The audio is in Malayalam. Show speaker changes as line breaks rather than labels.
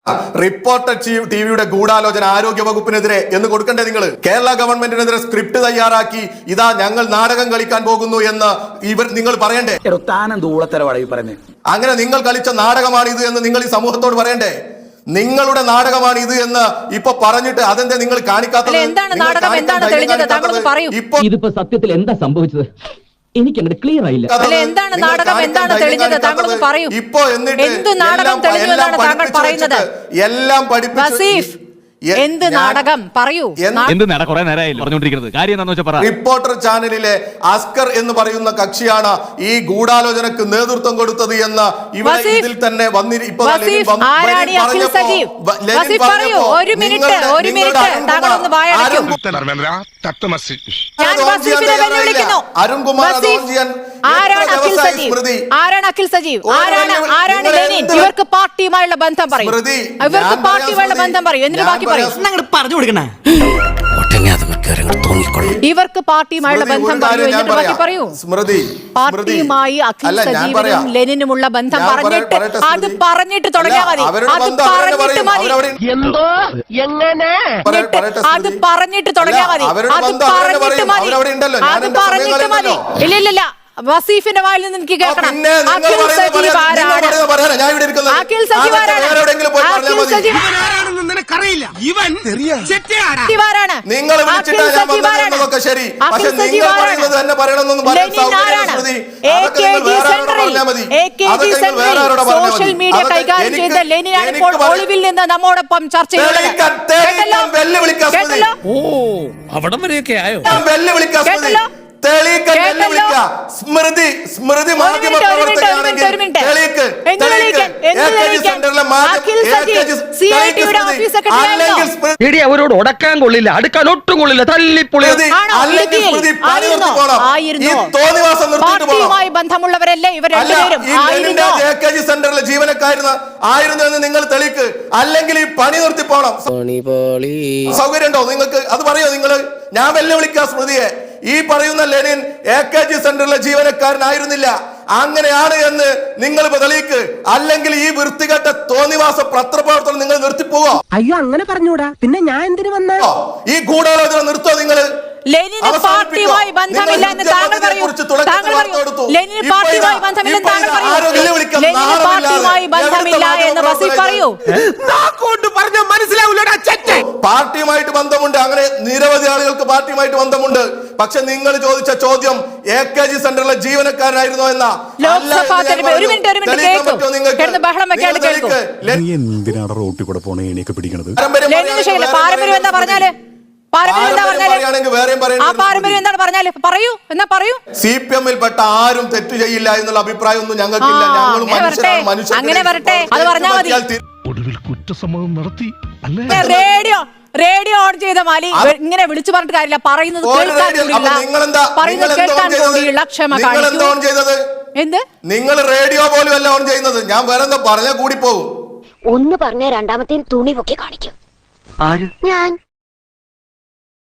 റിപ്പോർട്ടർ ടിവിയുടെ ഗൂഢാലോചന ആരോഗ്യ വകുപ്പിനെതിരെ എന്ന് കൊടുക്കണ്ടേ നിങ്ങൾ? കേരള ഗവൺമെന്റിനെതിരെ സ്ക്രിപ്റ്റ് തയ്യാറാക്കി ഇതാ ഞങ്ങൾ നാടകം കളിക്കാൻ പോകുന്നു എന്ന് നിങ്ങൾ പറയണ്ടേ? അങ്ങനെ നിങ്ങൾ കളിച്ച നാടകമാണ് ഇത് എന്ന് നിങ്ങൾ ഈ സമൂഹത്തോട് പറയണ്ടേ? നിങ്ങളുടെ നാടകമാണ് ഇത് എന്ന് ഇപ്പൊ പറഞ്ഞിട്ട് അതെന്താ നിങ്ങൾ കാണിക്കാത്തത്?
ഇതിപ്പോ സത്യത്തിൽ എന്താ സംഭവിച്ചത്? എനിക്ക് അങ്ങനെ ക്ലിയർ ആയില്ല.
എന്താണ് നാടകം, എന്താണ് തെളിഞ്ഞത്? താങ്കളൊന്ന് പറയൂ. എന്ത് നാടകം തെളിഞ്ഞു എന്നാണ് താങ്കൾ പറയുന്നത്?
എല്ലാം പഠിപ്പിച്ചു.
എന്ത് നാടകം പറയൂ.
റിപ്പോർട്ടർ ചാനലിലെ അസ്കർ എന്ന് പറയുന്ന കക്ഷിയാണ് ഈ ഗൂഢാലോചനക്ക് നേതൃത്വം കൊടുത്തത് എന്ന് ഇതിൽ തന്നെ
ഇവർക്ക് പാർട്ടിയുമായുള്ള ബന്ധം പറയും. ഇവർക്ക് പാർട്ടിയുമായുള്ള ബന്ധം പറയും. എന്നിട്ട് ബാക്കി
പറഞ്ഞു കൊടുക്കണേ.
ഇവർക്ക് പാർട്ടിയുമായുള്ള ബന്ധം പറയൂ. പാർട്ടിയുമായി അഖിൽ സജീവനും ലെനിനുമുള്ള ബന്ധം അത് പറഞ്ഞിട്ട് തുടങ്ങിയാൽ മതി. അത് പറഞ്ഞിട്ട് മതി. അത് പറഞ്ഞിട്ട് തുടങ്ങിയാൽ മതി. അത് പറഞ്ഞിട്ട് മതി. ഇല്ല വസീഫിന്റെ വായിൽ നിന്ന് എനിക്ക് കേൾക്കണം. അഖിൽ സജീവ് ആരാണ്? അഖിൽ സജീവ് ആരാണ്? സോഷ്യൽ മീഡിയ കൈകാര്യം ചെയ്ത ലെനിനാണ് ഇപ്പോൾ ഒളിവിൽ നിന്ന് നമ്മോടൊപ്പം ചർച്ച ചെയ്യുന്നത്.
സ്മൃതി
അവരോട് ഉടക്കാൻ കൊള്ളില്ല, അടുക്കാൻ ഒട്ടും കൊള്ളില്ല, തല്ലിപ്പൊളി.
പാർട്ടിയുമായി ബന്ധമുള്ളവരല്ലേ ഇവർ രണ്ടുപേരും?
സെന്ററിലെ ജീവനക്കാരന് ആയിരുന്നു എന്ന് നിങ്ങൾ തെളിക്ക്. അല്ലെങ്കിൽ ഈ പണി നിർത്തി പോണം. സൗകര്യം ഉണ്ടോ നിങ്ങൾക്ക്? അത് പറയോ നിങ്ങൾ? ഞാൻ വെല്ലുവിളിക്കാം സ്മൃതിയെ. ഈ പറയുന്ന ലെനിൻ AKG സെന്ററിലെ ജീവനക്കാരനായിരുന്നില്ല. അങ്ങനെയാണ് എന്ന് നിങ്ങൾ തെളിയിക്ക്. അല്ലെങ്കിൽ ഈ വൃത്തികെട്ട തോന്നിവാസ പത്രപ്രവർത്തനം നിങ്ങൾ നിർത്തിപ്പോവോ?
അയ്യോ, അങ്ങനെ പറഞ്ഞൂടാ. പിന്നെ ഞാൻ എന്തിനു വന്നോ?
ഈ ഗൂഢാലോചന നിർത്തോ നിങ്ങൾ?
ലെനിന് പാർട്ടിയുമായി ബന്ധമില്ല എന്ന് താങ്കൾ പറയൂ. ലെനിന് പാർട്ടിയുമായി ബന്ധമില്ലെന്ന് താങ്കൾ പറയൂ. ലെനിന് പാർട്ടിയുമായി ബന്ധമില്ല എന്ന് വസീഫ് പറയൂ.
പാർട്ടിയുമായിട്ട് ബന്ധമുണ്ട്. അങ്ങനെ നിരവധി ആളുകൾക്ക് പാർട്ടിയുമായിട്ട് ബന്ധമുണ്ട്. പക്ഷെ നിങ്ങൾ ചോദിച്ച ചോദ്യം AKG സെന്ററിലെ ജീവനക്കാരനായിരുന്നോ എന്ന.
എന്തിനാണ് റോട്ടിൽ കൂടെ പോണേ എണീക്കെ പിടിക്കണത്?
പാരമ്പര്യം എന്താ പറഞ്ഞാല്?
CPM-ൽ പെട്ട ആരും തെറ്റ് ചെയ്യില്ല എന്നുള്ള അഭിപ്രായമൊന്നും ഞങ്ങൾക്കില്ല. ഞങ്ങൾ
ഒടുവിൽ കുറ്റസമ്മതം നടത്തി.
റേഡിയോ ഓൺ ചെയ്ത മാലി ഇങ്ങനെ വിളിച്ചു പറഞ്ഞിട്ട് കാര്യമില്ല. പറയുന്നത് കേൾക്കാൻ കൂടിയുള്ള ക്ഷമ കാണിക്കൂ. എന്ത്
നിങ്ങൾ റേഡിയോ പോലും അല്ല ഓൺ ചെയ്യുന്നത്. ഞാൻ വേറെ എന്താ പറഞ്ഞാൽ കൂടി പോകും.
ഒന്ന് പറഞ്ഞ രണ്ടാമത്തെ തുണി പൊക്കി കാണിക്കും. ഞാൻ